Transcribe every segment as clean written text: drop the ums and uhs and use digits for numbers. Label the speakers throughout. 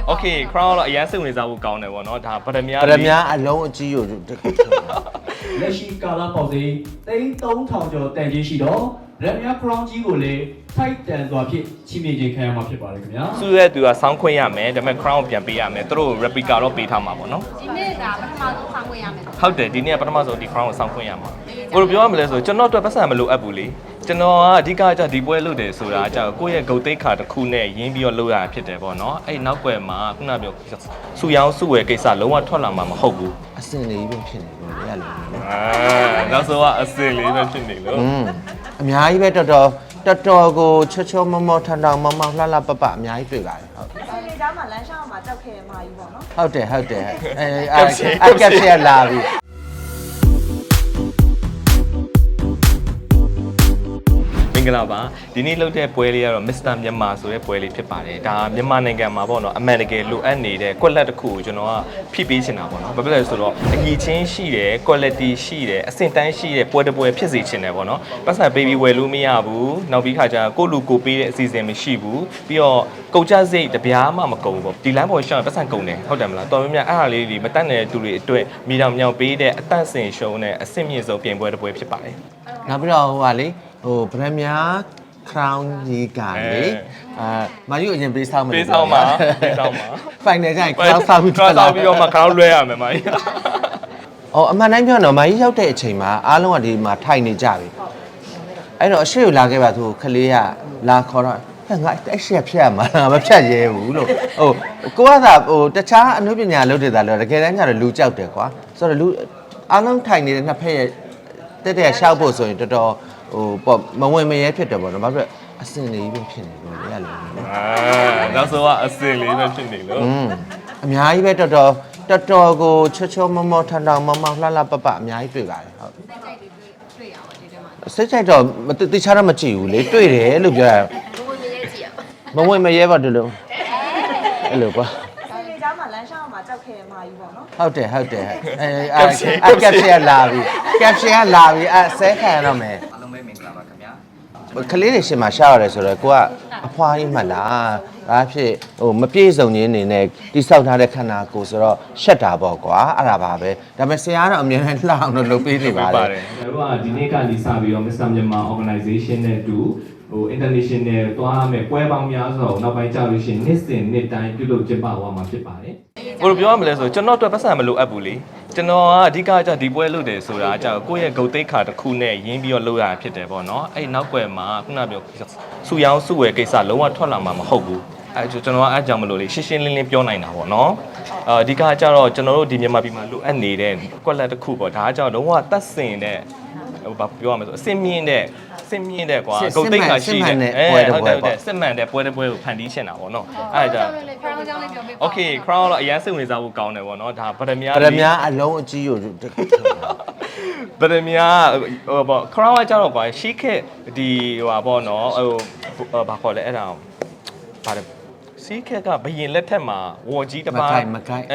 Speaker 1: Okay crown တော့အရင်စိတ်ဝင်စားဖို့ကောင်းတယ်ပေါ့နော်ဒါဗဒမြား
Speaker 2: ဗဒမြားအလုံးအကြီးကိုတခု
Speaker 3: လက်ရှိကာလပေါက်စေ3000ကျော်တန်ကြီးရှိတော့ဗဒမြား crown ကြီးကိုလည်းထိုက်တန်စွာဖြင့်ချီးမြှင့်ခြင်းခံရမှာဖြစ်ပါတယ်ခင်ဗျာ
Speaker 1: စုရဲသူကဆောင်းခွင့်ရမယ်ဒါပေမဲ့ crown ကိုပြန်ပေးရမယ်သူတို့ replica တော့ပေးထားမှာပေါ့နော်
Speaker 4: ဒီနေ့ဒါပထမဆုံးဆောင်းခွင့်ရမယ်
Speaker 1: ဟုတ်တယ်ဒီနေ့ကပထမဆုံးဒီ crown ကိုဆောင်းခွင့်ရမှာဘယ်လိုပြောရမလဲဆိုကျွန်တော်အတွက်ပတ်စံမလိုအပ်ဘူးလေကျွန်တော်ကအဓိကကျဒီပွဲလုပ်တယ်ဆိုတာကျကိုယ့်ရဲ့ဂုတ်သိက္ခာတစ်ခုနဲ့ရင်းပြီးတော့လုပ်ရတာဖြစ်တယ်ပေါ့နော်အဲ့နောက်ွယ်မှာခုနပြောစူရောင်းစုဝယ်ကိစ္စလုံးဝထွက်လာမှာမဟုတ်ဘူး
Speaker 2: အစင်လေးပဲဖြစ်နေလို့ရလို့
Speaker 1: နောက်ဆုံးကအစင်လေးပဲဖြစ်နေလို့
Speaker 2: အများကြီးပဲတော်တော်ကိုချောချောမောမောထန်ထောင်မောမောလှလှပပအများကြီးတွေ့ပါတယ်ဟုတ်
Speaker 5: ဆယ်လေးသားမှာလမ်းရှောင်းမှာတောက်ခဲမှာကြီးပေါ့နော်
Speaker 2: ဟုတ်တယ်ကပ်ချက်လာပြီ
Speaker 1: မင်္ဂလာပါဒီနေ့လုပ်တဲ့ပွဲလေးကတော့ Mr. မြန်မာဆိုတဲ့ပွဲလေးဖြစ်ပါတယ်ဒါမြန်မာနိုင်ငံမှာပေါ့နော်အမှန်တကယ်လိုအပ်နေတဲ့ကွက်လက်တစ်ခုကိုကျွန်တော်ကဖြည့်ပေးချင်တာပေါ့နော်ဘာဖြစ်လဲဆိုတော့အညီချင်းရှိတယ် quality ရှိတယ်အဆင့်တန်းရှိတဲ့ပွဲတစ်ပွဲဖြစ်စေချင်တယ်ပေါ့နော်ပတ်စံ baby ဝယ်လို့မရဘူးနောက်ပြီးခါကျကိုလူကိုပေးတဲ့အစီအစဉ်မရှိဘူးပြီးတော့ကုန်ကျစရိတ်တပြားမှမကုန်ဘူးပေါ့ဒီလမ်းပေါ်ရှောင်းပတ်စံကုန်တယ်ဟုတ်တယ်မလားတော်များများအဲ့ဟာလေးတွေမတတ်တဲ့သူတွေအတွက်မိတော်မြောင်ပေးတဲ့အတန့်စင်ရှုံးတဲ့အဆင့်မြင့်ဆုံးပြင်ပွဲတစ်ပွဲဖြစ်ပါတယ်
Speaker 2: နောက်ပြီးတော့ဟိုပါလေဟိုဗရမများ crown ကြီးကလေမာယူအရင်ပေးဆောင်မယ်
Speaker 1: ပေးဆောင်ပါ
Speaker 2: final ကျရင် crown ဆောက်ပြီး
Speaker 1: တော့မှ crown လွှဲရမယ်မာကြီး
Speaker 2: အော်အမှန်တိုင်းပြောတော့မာကြီးရောက်တဲ့အချိန်မှာအားလုံးကဒီမှာထိုင်နေကြပြီအဲ့တော့အရှိကိုလာခဲ့ပါသူခလေးကလာခေါ်တော့ငါအရှိဖြတ်ရမှာမဖြတ်ရဲဘူးလို့ဟိုကိုကသာဟိုတခြားအနုပညာလုပ်တဲ့သားလို့တကယ်တမ်းကျတော့လူကြောက်တယ်ကွာဆိုတော့လူအားလုံးထိုင်နေတဲ့နှစ်ဖက်ရဲ့တဲ့ရှောက်ဖို့ဆိုရင်တော်တော်ဟိုပေါ့မဝင်မရဲဖြစ်တယ်ပေါ့နော်ဘာဖြစ်အစင်လေးပဲဖြစ်နေလို့ရလို့
Speaker 1: နောက်ဆုံးကအစင်လေးပဲဖြစ်နေလို့
Speaker 2: အများကြီးပဲတော်တော်ကိုချောချောမောမောထန်ထောင်မောမောလှလှပပအများကြီးတွေ့ပါတယ်ဟုတ်စိတ်ကြိုက်တော့တခြားတော့မကြည့်ဘူးလေတွေ့တယ်လို့ပြောရမဝင်မရဲပါတို့လို့အဲ့လိုကွာ
Speaker 5: ဆယ်လေးသားမှာလမ်းရှောင်းမှာတောက်ခဲမှာကြီးပေါ့နော်
Speaker 2: ဟုတ်တယ်ကပ်ချက်လာပြီဆဲခံရတော့မယ်
Speaker 6: အားလုံးပဲမင်္ဂလာပါခင်ဗျာ
Speaker 2: ကလေးတွေရှင်မှာရှားရတယ်ဆိုတော့ကိုကအဖွားကြီးမှတ်လားဒါဖြစ်ဟိုမပြေစုံခြင်းအနေနဲ့တိဆောက်ထားတဲ့ခန္ဓာကိုယ်ဆိုတော့ရှက်တာပေါ့ကွာအဲ့ဒါပါပဲဒါပေမဲ့ဆရာကတော့အမြဲတမ်းလှအောင်လုပ်ပေးနေပါတယ်
Speaker 3: ကျွန်တော်တို့ကဒီနေ့ကနေစပြီးတော့ Mr. မြန်မာ organization နဲ့အတူဟို international သွားရမယ်ပွဲပေါင်းများစွာကိုနောက်ပိုင်းကြာလို့ရှိရင်နှစ်တိုင်းပြုလုပ်ကျင်းပသွားမှာဖြစ်ပါတယ်
Speaker 1: ဘယ်လိုပြောရမလဲဆိုကျွန်တော်အတွက်ပတ်စံမလိုအပ်ဘူးလေကျွန်တော်ကအဓိကကျဒီပွဲလုပ်တယ်ဆိုတာကျကိုယ့်ရဲ့ဂုတ်သိက္ခာတစ်ခုနဲ့ရင်းပြီးတော့လုပ်ရတာဖြစ်တယ်ပေါ့နော်အဲ့နောက်ွယ်မှာခုနပြောစူရောင်းစုဝယ်ကိစ္စလုံးဝထွက်လာမှာမဟုတ်ဘူးအဲ့ကျွန်တော်ကအဲ့ကြောင့်မလို့လေရှင်းရှင်းလင်းလင်းပြောနိုင်တာပေါ့နော်အဓိကကျတော့ကျွန်တော်တို့ဒီမြန်မာပြည်မှာလိုအပ်နေတဲ့ကွက်လက်တစ်ခုပေါ့ဒါကကြောင့်လုံးဝတတ်စင်တဲ့ဟိုဘာပြောရမလဲဆိုအစင်မြင့်တဲ့ကွာဂုတ်သိက္ခာရှိတဲ့ဟုတ်တယ်စစ်မှန်တဲ့ပွဲတစ်ပွဲကိုဖန်တီးရှင်းတာပေါ့နော်အဲ့ဒါကြောင့်
Speaker 4: crown ကြောင့်လည်းပြောပေးပါ
Speaker 1: Okay crown တော့အရင်စိတ်ဝင်စားဖို့ကောင်းတယ်ပေါ့နော်ဒါဗဒမြား
Speaker 2: အလုံးအကြီးကိုတခု
Speaker 1: ဗဒမြားဟိုပေါ့ crown ကကြတော့ကွာရှီးခက်ဒီဟိုပါပေါ့နော်ဟိုဘာခေါ်လဲအဲ့ဒါပါတယ်စီးခက်ကဘယင်လက်ထက်မှာဝေါ်ကြီးတစ်ပါး
Speaker 2: မကိုက်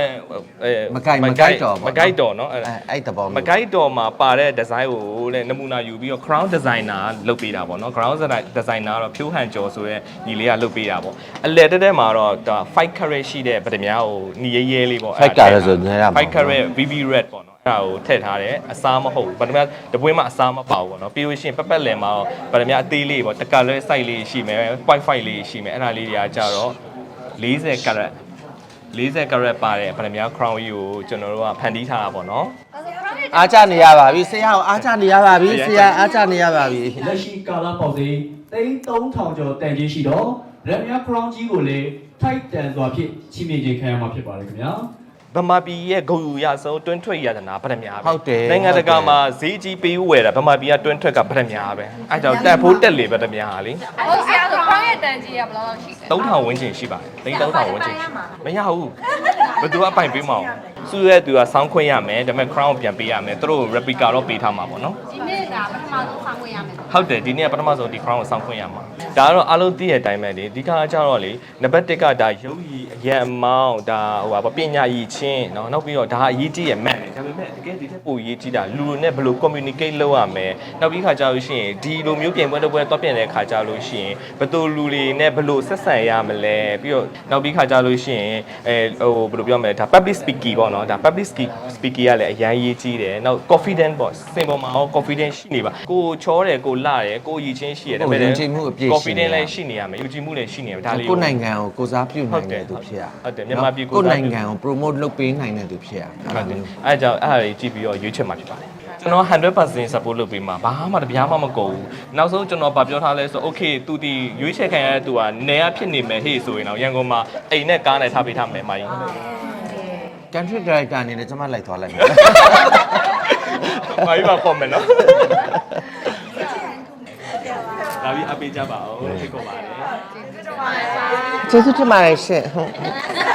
Speaker 1: တော်เนาะ
Speaker 2: အဲ့တဘော
Speaker 1: မကိုက်တော်မှာပါတဲ့ဒီဇိုင်းကိုတဲ့နမူနာယူပြီးတော့ crown designer လုပ်ပေးတာပေါ့เนาะ crown designer တော့ဖြိုးဟန်ကျော်ဆိုရဲညီလေးကလုပ်ပေးတာပေါ့အလဲတက်မှာတော့5 carat ရှိတဲ့ဗဒမြားကိုညီရဲလေးပေါ့
Speaker 2: 5 carat ဆိုနေရမှာ
Speaker 1: 5 carat VV red ပေါ့เนาะအဲ့ဒါကိုထည့်ထားတယ်အစားမဟုတ်ဗဒမြားတပွင့်မှအစားမပါဘူးပေါ့เนาะပြီးလို့ရှိရင်ပက်ပက်လယ်မှာဗဒမြားအသေးလေးပေါ့တကလွဲ size လေးရှိမယ် 0.5 လေးရှိမယ်အဲ့ဒါလေးတွေကကြတော့40 carat ပါတယ်ဗဒမြား crown ကြီးကိုကျွန်တော်တို့ကဖန်တီးထားတာပေါ့နော်
Speaker 2: အားကြနေရပါပြီဆရာအားကြနေရပါပြီဆရာအားကြနေရပါပြီ
Speaker 3: လက်ရှိကာလပေါက်စေ3000ကျော်တန်ကြီးရှိတော့ဗဒမြား crown ကြီးကိုလည်းထိုက်တန်စွာဖြင့်ချီးမြှင့်ခြင်းခံရမှာဖြစ်ပါတယ်ခင်ဗျာ
Speaker 1: ဗမာပြည်ရဲ့ဂုဏ်ယူရဆုံးတွင်းထွက်ရတနာဗဒမြားပဲ
Speaker 2: ဟုတ်တယ်
Speaker 1: နိုင်ငံတကာမှာဈေးကြီးပေးဝယ်တာဗမာပြည်ကတွင်းထွက်ကဗဒမြားပဲအဲကြောင့်တက်ဖို့တက်လေဗဒမြားလေ
Speaker 4: ဟုတ်ဆရာဆို crown ရဲ့တန်ကြီးကဘယ်လောက်ရှိလဲ
Speaker 1: 3000ဝန်းကျင်ရှိပါတယ်3000ဝန်းကျင်မရဘူးဘယ်သူအပိုင်ပေးမအောင်စုရဲသူကဆောင်းခွင့်ရမယ်ဒါပေမဲ့ crown ကိုပြန်ပေးရမယ်သူတို့ replica တော့ပေးထားမှာပေါ့နော်
Speaker 4: ဒီနေ့ဒါဒါပထမဆုံးဆောင်ခွင့်ရမယ်
Speaker 1: ဟုတ်တယ်ဒီနေ့ကပထမဆုံးဒီ crown ကိုစောင့်ခွင့်ရမှာဒါကတော့အားလုံးသိတဲ့အတိုင်းပဲလေဒီခါကျတော့လေနံပါတ်1ကဒါရုပ်ရည်အရန်အမောင်းဒါဟိုပါပညာရည်ချင်းเนาะနောက်ပြီးတော့ဒါအရေးကြီးရဲ့ man ဒါပေမဲ့တကယ်ဒီထက်ပိုရေးကြီးတာလူတွေနဲ့ဘယ်လို communicate လုပ်ရမလဲနောက်ပြီးခါကျလို့ရှိရင်ဒီလိုမျိုးပြင်ပွဲတစ်ပွဲတော့ပြင်တဲ့ခါကျလို့ရှိရင်ဘယ်လိုလူတွေနဲ့ဘယ်လိုဆက်ဆံရမလဲပြီးတော့နောက်ပြီးခါကျလို့ရှိရင်ဟိုဘယ်လိုပြောမလဲဒါ public speaking ပေါ့เนาะဒါ public speaking ကလည်းအရန်ရေးကြီးတယ်နောက် confident ပေါ့စင်ပေါ်မှာ confident ရှိနေပါကိုချောတယ်ကိုလာတယ်ကိုရည်ချင်းရှိရတယ်ဒါပေမဲ့ confident လည်းရှိနေရမယ်ယုံကြည်မှုလည်းရှိနေရမယ်ဒါလေး
Speaker 2: ကိုယ်နိုင်ငံကိုကိုစားပြုနိုင်တဲ့သူဖြစ်ရ
Speaker 1: ဟုတ်တယ်မြန်မာပြည်ကို
Speaker 2: ကိုယ်နိုင်ငံကို promote လုပ်ပေးနိုင်တဲ့သူဖြစ်ရ
Speaker 1: ဟုတ်တယ်အဲကြောင့်အဲ့ဒါကြီးကြည့်ပြီးတော့ရွေးချယ်မှာဖြစ်ပါတယ်ကျွန်တော်100% support လုပ်ပေးမှာဘာမှတပြားမှမကုန်ဘူးနောက်ဆုံးကျွန်တော်ဗာပြောထားလဲဆို okay သူဒီရွေးချယ်ခံရတဲ့သူကနေရဖြစ်နေမယ်ဟေ့ဆိုရင်တော့ရန်ကုန်မှာအိမ်နဲ့ကားနဲ့ထားပေးထားမယ်မာကြီး
Speaker 2: country director အနေနဲ့ကျွန်မလိုက်သွားလိုက်မယ်
Speaker 1: မာကြီးပါပေါ်မယ်နော်ဒါပြီးအပေးကြပါဦးဖိတ်ခေါ်ပါတယ်
Speaker 2: ကျေးဇူးတင်ပါတယ်ရှင်